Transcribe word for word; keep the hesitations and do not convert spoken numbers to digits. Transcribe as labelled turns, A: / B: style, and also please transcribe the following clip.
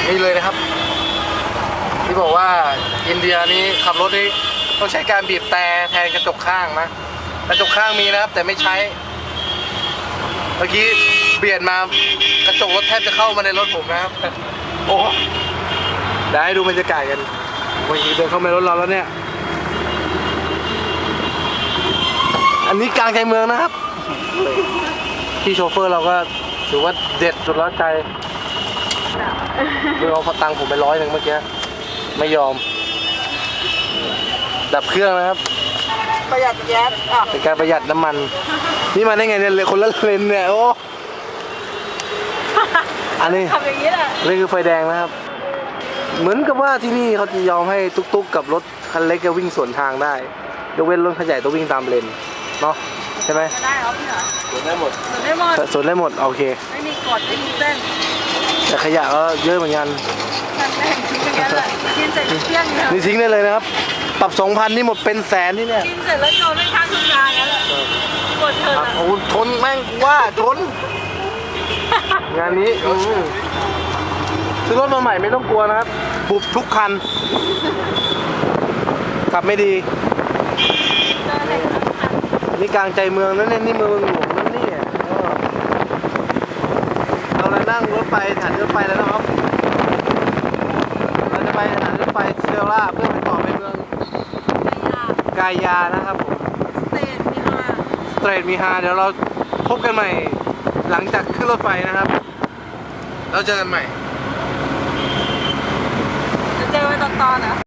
A: นี่เลยนะครับที่บอกว่าอินเดียนี้ขับรถนี่ต้องใช้การบีบแต่แทนกระจกข้างนะกระจกข้างมีนะครับแต่ไม่ใช้เมื่อกี้เปลี่ยนมากระจกรถแทบจะเข้ามาในรถผมนะครับโอ้ได้ดูบรรยากาศกันวันนี้เดินเข้ามาในรถเราแล้วเนี่ยอันนี้กลางใจเมืองนะครับพี่โชเฟอร์เราก็ถือว่าเด็ดสุดแล้วใจเพื่อเอาตังค์ผมไปร้อยหนึ่งเมื่อกี้ไม่ยอมดับเครื่องนะครับ
B: ประหยัดแก๊สอ่ะ
A: เป็นการประหยัดน้ำมันนี่มาได้ไงเนี่ยคนละเลนเนี่ยโอ้อันนี้
B: ทำอย่างนี้แหละ
A: นี่คือไฟแดงนะครับเหมือนกับว่าที่นี่เขาจะยอมให้ตุ๊กๆกับรถคันเล็กจะวิ่งสวนทางได้ยกเว้นรถขยายต้องวิ่งตามเลนเนาะใช่ไหม
B: ได้เหรอพี่เหรอ
A: สวนได้หมด
B: สวนได้หมด
A: สวนได้หมดโอเค
B: ไม่มีกฎไม่มีเส้น
A: แต่ขยะก็เยอะเหมือนกัน
B: มันไม่เห็นทิ้งอย่างนั้นแหละกินเสร็จเที่ยงเนี่ย
A: นี่ทิ้งได้เลยนะครับปรับสองพันนี่หมดเป็นแสนที่เนี่ย
B: กินเสร็จแล้วโยนไม่ข้างทุ่งนาแล้วแหละกดเถอะ
A: โอ้ทนแม่งว่าทนงานนี้ซื้อรถมาใหม่ไม่ต้องกลัวนะครับบุบทุกคันขับไม่ดีนี่กลางใจเมืองนั่นเนี่ยนี่เมืองหลวงนั่นนี่เราเลยนั่งรถไฟสถานีรถไฟแล้วนะครับเราจะไปสถานีรถไฟเซลล่าเพื่อไปต่อไปเมืองกายานะครับผม
B: สเตทมีฮา
A: สเตรทมีฮาเดี๋ยวเราพบกันใหม่หลังจากขึ้นรถไฟนะครับเราเจอกันใหม่
B: จะเจอไว้ตอนๆนะ